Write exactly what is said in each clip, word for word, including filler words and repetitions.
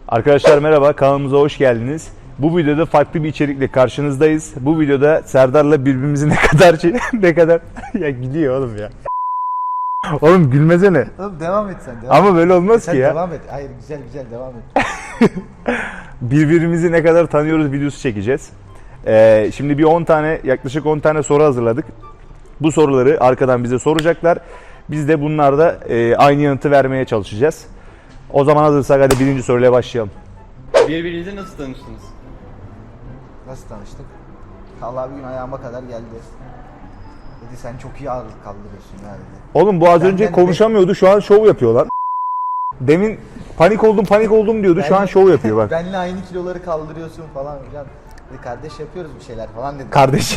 Arkadaşlar merhaba, kanalımıza hoş geldiniz. Bu videoda farklı bir içerikle karşınızdayız. Bu videoda Serdar'la birbirimizi ne kadar şey, ne kadar ya gidiyor oğlum ya. Oğlum gülmesene. Oğlum devam et sen. Devam Ama et. böyle olmaz Sen ki ya. devam et. Hayır güzel güzel devam et. Birbirimizi ne kadar tanıyoruz videosu çekeceğiz. Ee, şimdi bir on tane, yaklaşık on tane soru hazırladık. Bu soruları arkadan bize soracaklar. Biz de bunlarda e, aynı yanıtı vermeye çalışacağız. O zaman hazırsak hadi birinci soruyla başlayalım. Birbirinizle nasıl tanıştınız? Nasıl tanıştık? Allah bir gün ayağıma kadar geldi. Dedi sen çok iyi ağırlık kaldırıyorsun ya dedi. Oğlum bu az Benden önce de- konuşamıyordu, şu an şov yapıyor lan. Demin panik oldum panik oldum diyordu, şu an Benle- şov yapıyor bak. Benle aynı kiloları kaldırıyorsun falan filan. Dedi kardeş yapıyoruz bir şeyler falan dedi. Kardeş.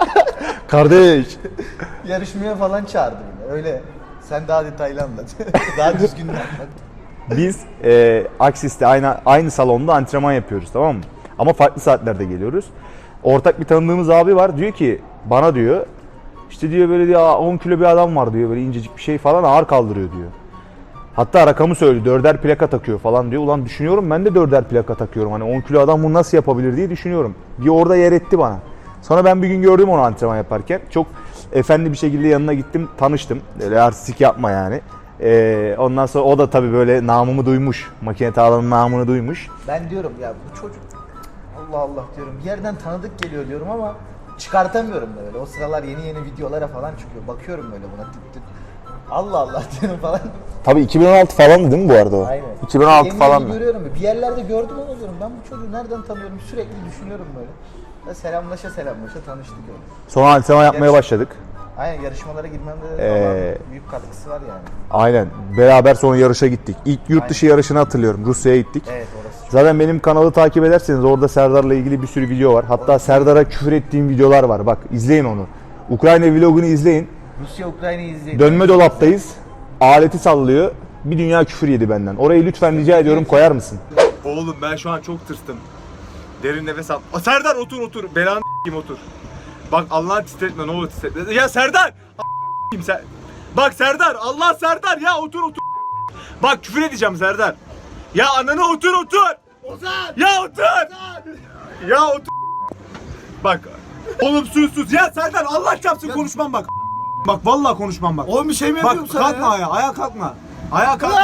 Kardeş. Yarışmaya falan çağırdı beni. Öyle. Sen daha detaylı anlat. Daha düzgün anlat. Biz e, Aksis'te aynı aynı salonda antrenman yapıyoruz, tamam mı? Ama farklı saatlerde geliyoruz. Ortak bir tanıdığımız abi var, diyor ki bana diyor işte diyor böyle diyor on kilo bir adam var diyor, böyle incecik bir şey falan ağır kaldırıyor diyor. Hatta rakamı söyledi, dörder plaka takıyor falan diyor. Ulan düşünüyorum ben de dörder plaka takıyorum, hani on kilo adam bunu nasıl yapabilir diye düşünüyorum. Bir orada yer etti bana. Sonra ben bir gün gördüm onu antrenman yaparken. Çok efendi bir şekilde yanına gittim, tanıştım. Öyle artistik yapma yani. Ee, ondan sonra o da tabii böyle namımı duymuş. Makine tağlanın namını duymuş. Ben diyorum ya bu çocuk Allah Allah diyorum bir yerden tanıdık geliyor diyorum ama çıkartamıyorum da böyle. O sıralar yeni yeni videolara falan çıkıyor. Bakıyorum böyle buna tık tık. Allah Allah diyorum falan. Tabii iki bin on altı falandı değil mi bu arada o? Aynen. iki bin on altı Yeni falan yeni mı? görüyorum. Bir yerlerde gördüm ama diyorum ben bu çocuğu nereden tanıyorum sürekli düşünüyorum böyle. Ve selamlaşa selamlaşa tanıştık öyle. Sonra antrenman yapmaya Yarış- başladık. Aynen yarışmalara girmemde Ee, falan büyük katkısı var yani. Aynen. Beraber sonra yarışa gittik. İlk yurt dışı yarışını hatırlıyorum. Rusya'ya gittik. Evet orası. Zaten benim kanalı takip ederseniz orada Serdar'la ilgili bir sürü video var. Hatta Serdar'a küfür ettiğim videolar var. Bak izleyin onu. Ukrayna vlogunu izleyin. Rusya Ukrayna'yı izleyin. Dönme dolaptayız. Aleti sallıyor. Bir dünya küfür yedi benden. Orayı lütfen rica ediyorum koyar mısın? Oğlum ben şu an çok tırstım. Derin nefes al. Aa, Serdar otur otur. Belanı s**eyim otur. Bak Allah'ın titretme ne olur titretme. Ya Serdar! A**eyim sen. Bak Serdar! Allah Serdar ya otur otur. Bak küfür edeceğim Serdar. Ya ananı otur otur. Ozan! Ya otur! Ozan! Ya otur. Bak. Oğlum sus sus. Ya Serdar Allah çarpsın konuşmam bak. Bak vallahi konuşmam bak. Oğlum bir şey mi Bak yapıyorum sana kalkma ya? ayağa. Ayağa kalkma. Ayağa kalkma.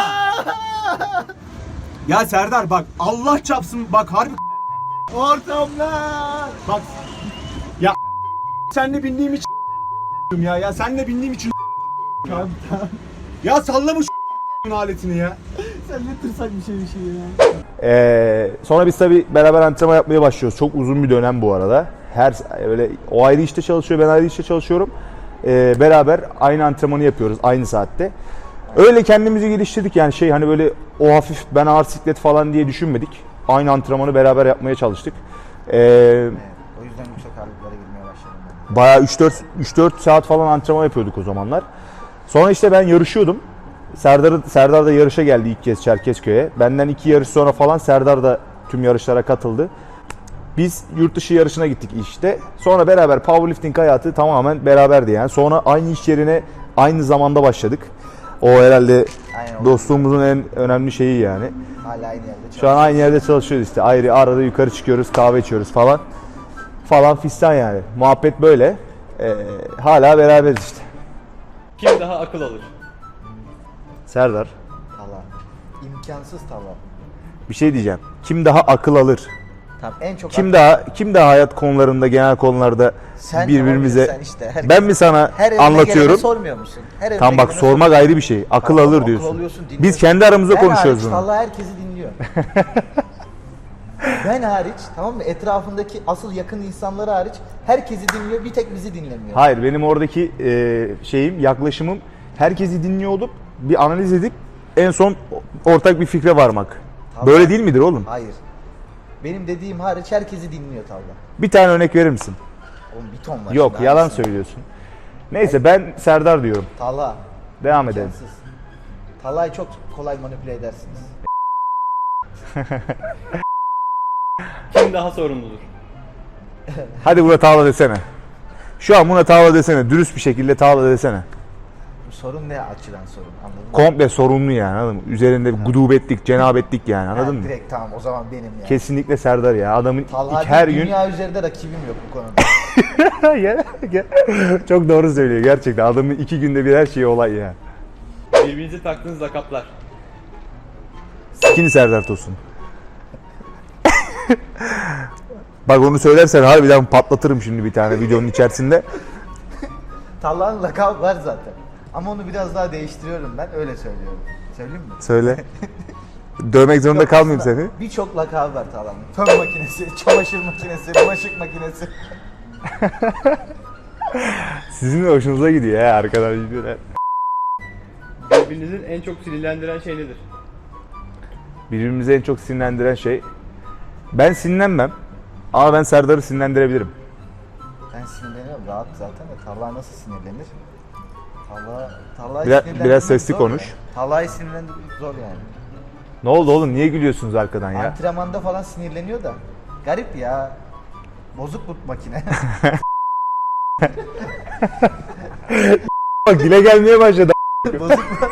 Ya Serdar bak Allah çarpsın bak harbi Ortamlar. bak ya senle bindiğim için ya ya senle bindiğim için Tamam tamam. ya sallama şu aletini ya. Sen ne tırsak bir şey bir şey ya. Ee, sonra biz tabii beraber antrenman yapmaya başlıyoruz. Çok uzun bir dönem bu arada. Her böyle o ayrı işte çalışıyor, ben ayrı işte çalışıyorum. Ee, beraber aynı antrenmanı yapıyoruz aynı saatte. Öyle kendimizi geliştirdik yani şey hani böyle o hafif ben ağır siklet falan diye düşünmedik. Aynı antrenmanı beraber yapmaya çalıştık. Ee, Evet, o yüzden yüksek ağırlıklara girmeye başladım ben. bayağı üç dört saat falan antrenman yapıyorduk o zamanlar. Sonra işte ben yarışıyordum. Serdar, Serdar da yarışa geldi ilk kez Çerkezköy'e. Benden iki yarış sonra falan Serdar da tüm yarışlara katıldı. Biz yurt dışı yarışına gittik işte. Sonra beraber powerlifting hayatı tamamen beraberdi yani. Sonra aynı iş yerine aynı zamanda başladık. O herhalde Aynen, o- dostluğumuzun en önemli şeyi yani. Hala aynı yerde çalışıyorum. Şu an aynı yerde çalışıyoruz işte. Ayrı arada yukarı çıkıyoruz, kahve içiyoruz falan. Falan fistan yani. Muhabbet böyle. Ee, hala beraberiz işte. Kim daha akıl alır? Serdar, Tala. İmkansız tala. bir şey diyeceğim. Kim daha akıl alır? Tamam en çok Kim daha kim daha hayat konularında, genel konularda Sen birbirimize tamam, sen işte, herkes- ben mi sana her önüne anlatıyorum? gelene sormuyor musun? Her önüne Tam bak gelene sormak sor- ayrı bir şey. Akıl Tamam, alır akıl diyorsun. alıyorsun, dinliyorsun. Biz kendi aramızda Ben konuşuyoruz hariç, bunu. Allah herkesi dinliyor. Ben hariç tamam mı? Etrafındaki asıl yakın insanları hariç herkesi dinliyor. Bir tek bizi dinlemiyor. Hayır, benim oradaki e, şeyim, yaklaşımım herkesi dinliyor olup bir analiz edip en son ortak bir fikre varmak. Tamam. Böyle değil midir oğlum? Hayır. Benim dediğim hariç herkesi dinliyor Tavla. Bir tane örnek verir misin? Oğlum bir ton var. Yok, şimdi, yalan hangisi? söylüyorsun. Neyse ben Serdar diyorum. Tala. Devam edelim. İmkansız. Tala'yı çok kolay manipüle edersiniz. Kim daha sorumludur? Hadi buna tavla desene. Şu an buna tavla desene. Dürüst bir şekilde tavla desene. sorun ne açıdan sorun anladın mı? Komple sorunlu yani, anladın mı? Üzerinde gudubetlik, cenabetlik yani, Ha, anladın mı? direkt tamam o zaman benim yani. Kesinlikle Serdar ya. Adamın Talha ilk- her değil, gün dünya üzerinde rakibim yok bu konuda. Gel, gel. Çok doğru söylüyor gerçekten. Adamın iki günde bir her şeyi olay ya. Birbirinize taktığınız lakaplar. Skinny Serdar Tosun. Bak onu söylersen harbiden patlatırım şimdi bir tane videonun içerisinde. Talha'nın lakabı var zaten. Ama onu biraz daha değiştiriyorum ben öyle söylüyorum. Söyleyeyim mi? Söyle. Dövmek zorunda Yok, kalmayayım aslında seni. Birçok lakabı var Talha'nın. Fön makinesi, çamaşır makinesi, bulaşık makinesi. Sizin de hoşunuza gidiyor ya arkadan videolar. Birbirinizin en çok sinirlendiren şey nedir? Birbirimizi en çok sinirlendiren şey. Ben sinirlenmem. Ama ben Serdar'ı sinirlendirebilirim. Ben sinirleniyorum rahat zaten de Talha nasıl sinirlenir? Talha, Talha'yı Biraz- sinirlendirmek biraz sesli zor konuş. ya. Talha'yı sinirlendirmek zor yani. Ne oldu oğlum? Niye gülüyorsunuz arkadan ya? Antrenmanda falan sinirleniyor da. Garip ya. Bozuk bu makine. Bak dile gelmeye başladı. Bozuk mu?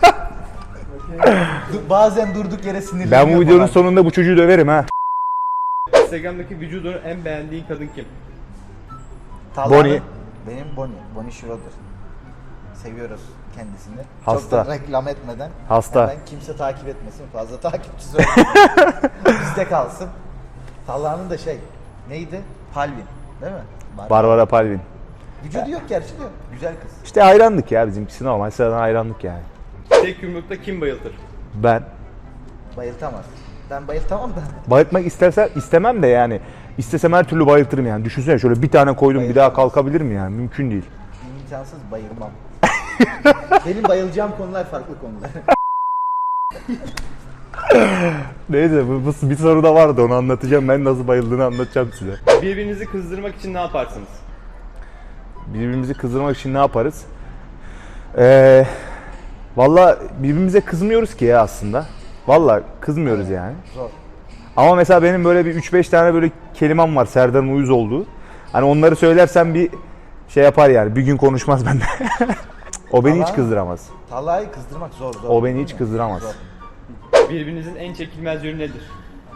Du- Bazen durduk yere sinirleniyor Ben bu videonun falan. sonunda bu çocuğu döverim ha. Instagram'daki vücudunu en beğendiğin kadın kim? Talha'nın- Bonnie. Benim Bonnie. Bonnie Schroeder. Seviyoruz kendisini. Hasta. Çok da reklam etmeden. Hasta. Hemen kimse takip etmesin. Fazla takipçisi olmasın. Bizde kalsın. Talha'nın da şey. Neydi? Palvin. Değil mi? Bar- Barbara Palvin. Vücudu yok gerçi de. Güzel kız. İşte hayranlık ya bizimkisi normal. Sıradan hayranlık yani. Tek yumrukta kim bayıltır? Ben Bayıltamaz. Ben bayıltamam da. bayıltmak istersen istemem de yani. İstesem her türlü bayıltırım yani. Düşünsene şöyle bir tane koydum bir daha kalkabilir mi yani? Mümkün değil. İmkansız bayılmam. Benim bayılacağım konular farklı konular. Neyse bu, bu bir soru da vardı onu anlatacağım. Ben nasıl bayıldığını anlatacağım size. Birbirinizi kızdırmak için ne yaparsınız? Birbirimizi kızdırmak için ne yaparız? Ee, Valla birbirimize kızmıyoruz ki ya aslında. Valla kızmıyoruz yani. Zor. Ama mesela benim böyle bir üç beş tane böyle kelimem var Serdar'ın uyuz olduğu. Hani onları söylersem bir şey yapar yani. Bir gün konuşmaz bende. O beni hiç Ama- kızdıramaz. Talha'yı kızdırmak zor zor. O beni hiç Değil mi? kızdıramaz. Zor. Birbirinizin en çekilmez yönü nedir?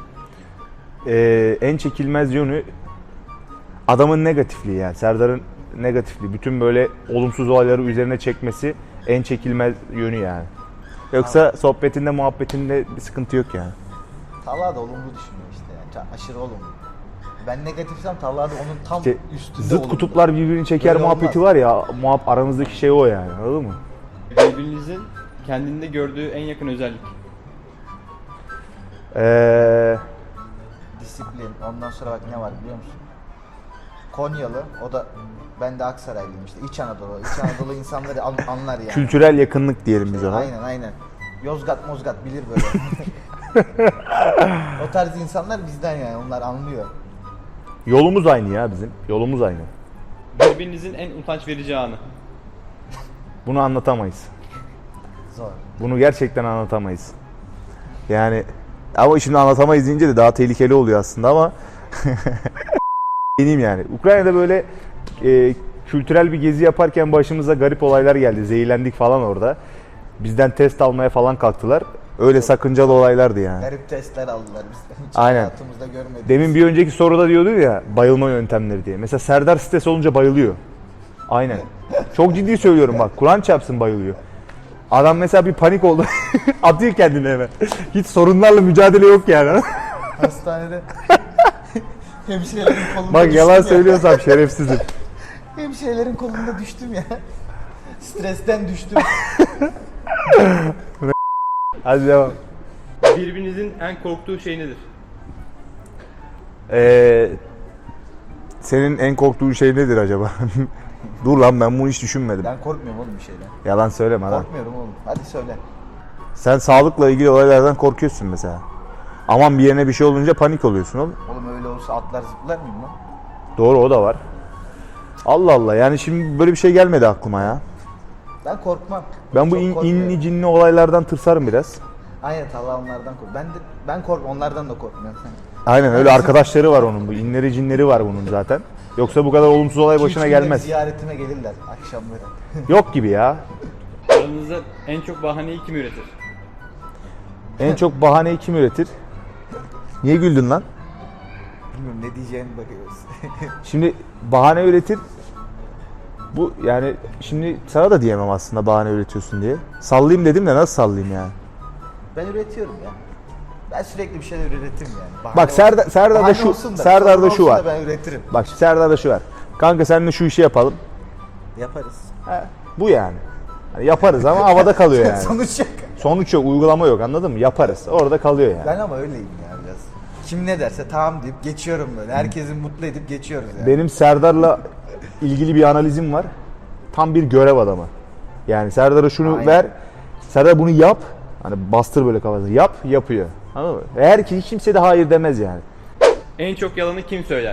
Ee, en çekilmez yönü adamın negatifliği yani. Serdar'ın negatifliği. Bütün böyle olumsuz olayları üzerine çekmesi en çekilmez yönü yani. Yoksa sohbetinde muhabbetinde bir sıkıntı yok yani. Talha da olumlu düşünüyor işte yani. Çok aşırı olumlu. Ben negatifsem Talha da onun tam İşte üstünde zıt olumlu. kutuplar birbirini çeker Öyle muhabbeti olmaz. var ya. Muhab aramızdaki şey o yani. Anladın mı? Birbirinizin kendinde gördüğü en yakın özellik. Eee Disiplin. Ondan sonra bak ne var biliyor musun? Konyalı. O da ben de Aksaraylıyım işte. İç Anadolu. İç Anadolu insanları an- anlar yani. kültürel yakınlık diyelim biz ona. Aynen aynen. Yozgat Mozgat bilir böyle. O tarz insanlar bizden yani. Onlar anlıyor. Yolumuz aynı ya bizim. Yolumuz aynı. Birbirinizin en utanç verici anı. Bunu anlatamayız. Zor. Bunu gerçekten anlatamayız. Yani ama şimdi anlatamayız deyince de daha tehlikeli oluyor aslında ama deneyim yani. Ukrayna'da böyle e, kültürel bir gezi yaparken başımıza garip olaylar geldi. Zehirlendik falan orada. Bizden test almaya falan kalktılar. Öyle sakıncalı olaylardı yani. Garip testler aldılar bizden. Hiç Aynen. hayatımızda görmediğimiz. Demin bir önceki soruda diyordu ya bayılma yöntemleri diye. Mesela Serdar stres olunca bayılıyor. Aynen. Çok ciddi söylüyorum bak. Kur'an çarpsın bayılıyor. Adam mesela bir panik oldu. Atıyor kendini hemen. Hiç sorunlarla mücadele yok yani. Hastanede hemşirelerin kolunda Bak düştüm yalan ya. söylüyorsam şerefsizim. Hemşirelerin kolunda düştüm ya. Stresten düştüm. Hadi devam. Birbirinizin en korktuğu şey nedir? Ee, senin en korktuğun şey nedir acaba? Dur lan ben bunu hiç düşünmedim. Ben korkmuyorum oğlum bir şeyden. Yalan söyleme lan. Korkmuyorum oğlum. Hadi söyle. Sen sağlıkla ilgili olaylardan korkuyorsun mesela. Aman bir yerine bir şey olunca panik oluyorsun oğlum. Oğlum öyle olsa atlar zıplar mıyım lan? Doğru o da var. Allah Allah yani şimdi böyle bir şey gelmedi aklıma ya. Ben korkmam. Ben bu Çok in, korkmuyorum. inli cinli olaylardan tırsarım biraz. Aynen Allah onlardan kork. Ben de ben kork onlardan da korkmuyorum. Aynen öyle arkadaşları var onun bu. İnleri cinleri var bunun zaten. Yoksa bu kadar olumsuz olay İki, üç başına günde bir gelmez. ziyaretime gelirler akşamları. Yok gibi ya. Aranızda en çok bahaneyi kim üretir? En çok bahaneyi kim üretir? Niye güldün lan? Bilmiyorum ne diyeceğini bakıyoruz. Şimdi bahane üretir. Bu yani şimdi sana da diyemem aslında bahane üretiyorsun diye. Sallayayım dedim de nasıl sallayayım yani? Ben üretiyorum ya. Ben sürekli bir şeyler üretirim yani. Bahane Bak Serdar, olsun- Serdar'da bahane şu olsun da, Serdar'da sorun şu olsun var. da ben üretirim. Bak şimdi Serdar'da şu var. Kanka seninle şu işi yapalım. Yaparız. Bu yani. Hani yaparız ama havada kalıyor yani. Sonuç yok. Sonuç yok, uygulama yok, anladın mı? Yaparız. Orada kalıyor yani. Ben ama öyleyim ya biraz. Kim ne derse tamam deyip geçiyorum böyle. Herkesi mutlu edip geçiyoruz yani. Benim Serdar'la ilgili bir analizim var. Tam bir görev adamı. Yani Serdar'a şunu Aynen. ver. Serdar bunu yap. Hani bastır böyle kafasına. Yap, yapıyor. Anladın mı? Eğer ki hiç kimse de hayır demez yani. En çok yalanı kim söyler?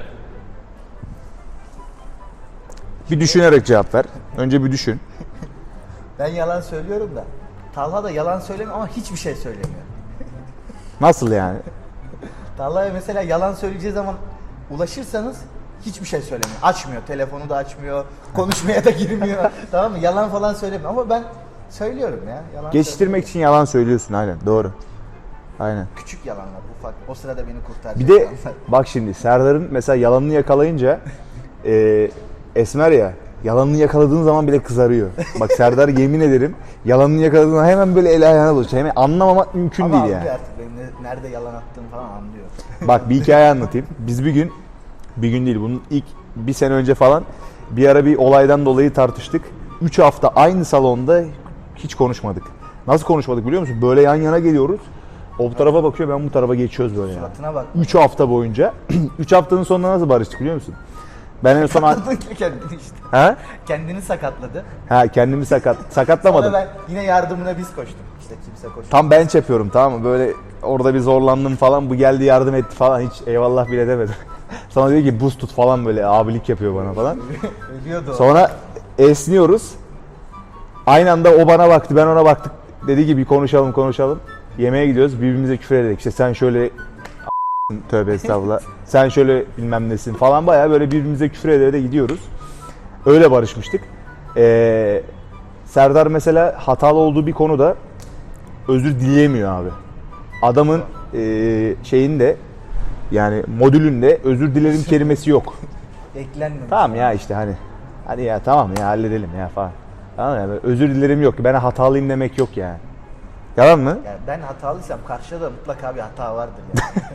Bir düşünerek cevap ver. Önce bir düşün. Ben yalan söylüyorum da. Talha da yalan söylemiyor ama hiçbir şey söylemiyor. Nasıl yani? Talha'ya mesela yalan söyleyeceği zaman ulaşırsanız hiçbir şey söylemiyor. Açmıyor, telefonu da açmıyor, konuşmaya da girmiyor. Tamam mı? Yalan falan söylemiyor ama ben söylüyorum ya. Yalan Geçiştirmek için yalan söylüyorsun, aynen. Doğru. Aynen. küçük yalanlar ufak. O sırada beni kurtaracak. Bir de yalanlar. bak şimdi Serdar'ın mesela yalanını yakalayınca e, Esmer ya, yalanını yakaladığın zaman bile kızarıyor. Bak Serdar yemin ederim yalanını yakaladığın zaman hemen böyle el ayağına bulaşıyor. Hemen anlamamak mümkün ama değil anlıyor yani. artık benim ne- nerede yalan attığımı falan anlıyor. Bak bir hikaye anlatayım. Biz bir gün, bir gün değil bunun ilk bir sene önce falan bir ara bir olaydan dolayı tartıştık. Üç hafta aynı salonda hiç konuşmadık. Nasıl konuşmadık biliyor musun? Böyle yan yana geliyoruz. O bu tarafa bakıyor, ben bu tarafa geçiyoruz böyle yani. Suratına bak. Üç hafta boyunca. Üç haftanın sonunda nasıl barıştık biliyor musun? Ben en son... Kendini işte. ha? Kendini sakatladı. Ha kendimi sakat sakatlamadım. Sonra ben yine yardımına biz koştuk. İşte kimse koşmadı. Tam bench yapıyorum, tamam mı? Böyle orada bir zorlandım falan. Bu geldi yardım etti falan. Hiç eyvallah bile demedim. Sonra diyor ki buz tut falan, böyle abilik yapıyor bana falan. Ölüyordu o. Sonra esniyoruz. Aynı anda o bana baktı, ben ona baktık. Dedi ki bir konuşalım konuşalım. Yemeğe gidiyoruz, birbirimize küfür ederek. İşte sen şöyle tövbe estağfurullah. Sen şöyle bilmem nesin falan, bayağı böyle birbirimize küfür ederek gidiyoruz. Öyle barışmıştık. Ee, Serdar mesela hatalı olduğu bir konuda özür dileyemiyor abi. Adamın e, şeyinde yani modülünde özür dilerim kelimesi yok. Eklenmemiş. Tamam ya işte hani hadi ya tamam ya halledelim ya falan. Tamam ya, böyle özür dilerim yok. Ben hatalıyım demek yok yani. Yalan mı? Yani ben hatalıysam karşıda da mutlaka bir hata vardır yani.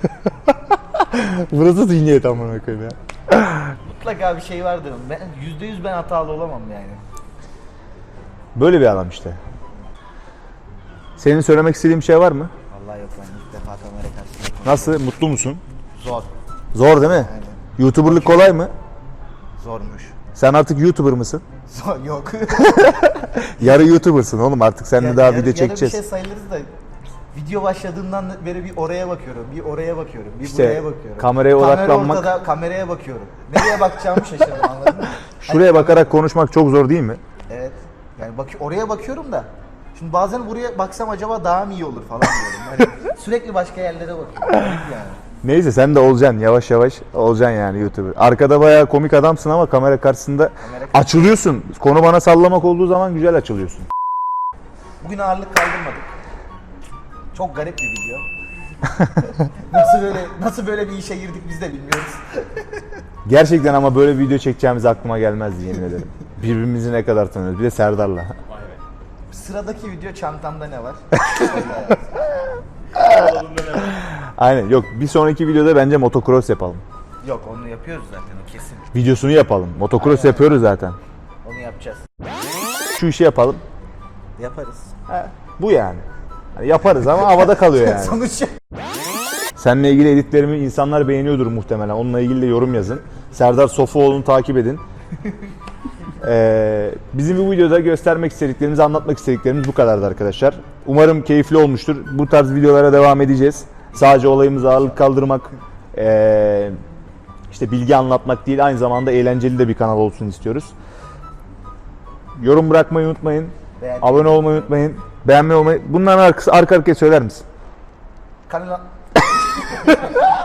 Burası zihniyet amına koyayım ya. Mutlaka bir şey vardır. Ben yüzde yüz ben hatalı olamam yani. Böyle bir adam işte. Senin söylemek istediğin bir şey var mı? Vallahi yok ben ilk defa kamera karşısında konuşuyorum. Nasıl? Mutlu musun? Zor. Zor değil mi? Aynen. YouTuber'lık kolay mı? Zormuş. Sen artık YouTuber mısın? Zor yok. Yarı YouTuber'sın oğlum, artık seninle Ya- daha yarı- video yarı çekeceğiz. bir şey sayılırız da video başladığından beri bir oraya bakıyorum, bir oraya bakıyorum, bir İşte buraya bakıyorum. kameraya Kamera odaklanmak- ortada, kameraya bakıyorum. Nereye bakacağımı şaşırdım, anladın mı? Şuraya bakarak konuşmak çok zor değil mi? Evet. Yani bak oraya bakıyorum da şimdi bazen buraya baksam acaba daha mı iyi olur falan diyorum. Yani sürekli başka yerlere bakıyorum. Yani. Neyse sen de olacaksın, yavaş yavaş olacaksın yani YouTuber. Arkada bayağı komik adamsın ama kamera karşısında Kamera karşısında- açılıyorsun. Konu bana sallamak olduğu zaman güzel açılıyorsun. Bugün ağırlık kaldırmadık. Çok garip bir video. nasıl böyle nasıl böyle bir işe girdik biz de bilmiyoruz. Gerçekten ama böyle bir video çekeceğimiz aklıma gelmezdi, yemin ederim. Birbirimizi ne kadar tanıyoruz. Bir de Serdar'la. Sıradaki video çantamda ne var? Aynen, yok bir sonraki videoda bence motocross yapalım. Yok onu yapıyoruz zaten o kesin. Videosunu yapalım. Motocross Aynen. yapıyoruz zaten. Onu yapacağız. Şu işi yapalım. Yaparız. Bu yani. Hani yaparız ama havada kalıyor yani. Sonuç yok. Seninle ilgili editlerimi insanlar beğeniyordur muhtemelen. Onunla ilgili de yorum yazın. Serdar Sofuoğlu'nu takip edin. Ee, bizim bu videoda göstermek istediklerimiz, anlatmak istediklerimiz bu kadardı arkadaşlar. Umarım keyifli olmuştur. Bu tarz videolara devam edeceğiz. Sadece olayımız ağırlık kaldırmak, ee, işte bilgi anlatmak değil, aynı zamanda eğlenceli de bir kanal olsun istiyoruz. Yorum bırakmayı unutmayın. Beğen- Abone olmayı unutmayın. Beğenmeyi olmayı. Bunların arkası arka arkaya söyler misin? Kanala...